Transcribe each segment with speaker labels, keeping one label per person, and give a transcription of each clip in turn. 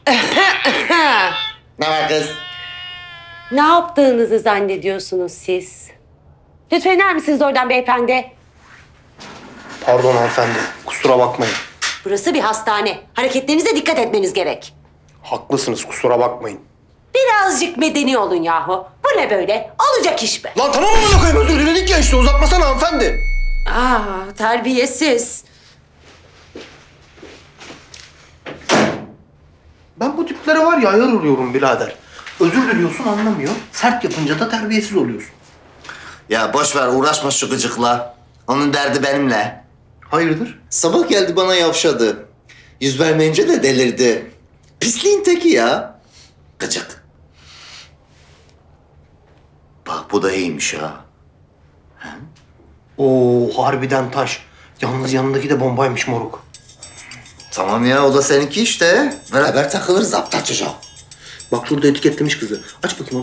Speaker 1: Ne var kız?
Speaker 2: Ne yaptığınızı zannediyorsunuz siz? Lütfen iner misiniz oradan beyefendi?
Speaker 3: Pardon hanımefendi, kusura bakmayın.
Speaker 2: Burası bir hastane. Hareketlerinize dikkat etmeniz gerek.
Speaker 3: Haklısınız, kusura bakmayın.
Speaker 2: Birazcık medeni olun yahu. Bu ne böyle? Olacak iş be.
Speaker 3: Lan tamam mı koyayım, özür diledik ya işte, uzatmasana hanımefendi.
Speaker 2: Terbiyesiz.
Speaker 3: Ben bu tiplere var ya ayar oluyorum birader. Özür diliyorsun anlamıyor, sert yapınca da terbiyesiz oluyorsun.
Speaker 1: Ya boş ver, uğraşma şu gıcıkla. Onun derdi benimle.
Speaker 3: Hayırdır?
Speaker 1: Sabah geldi bana yavşadı. Yüz vermeyince de delirdi. Pisliğin teki ya. Gıcık. Bak bu da iyiymiş ha.
Speaker 3: Oo harbiden taş. Yalnız yanındaki de bombaymış moruk.
Speaker 1: Tamam ya, o da seninki işte. Beraber takılırız aptal çocuğa.
Speaker 3: Bak şurada etiketlemiş kızı. Aç bakayım onu.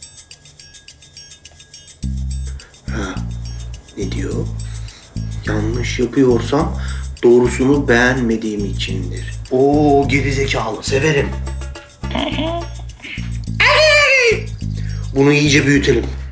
Speaker 3: Ha. Ne diyor? Yanlış yapıyorsam doğrusunu beğenmediğim içindir. Oo gerizekalı, severim. Bunu iyice büyütelim.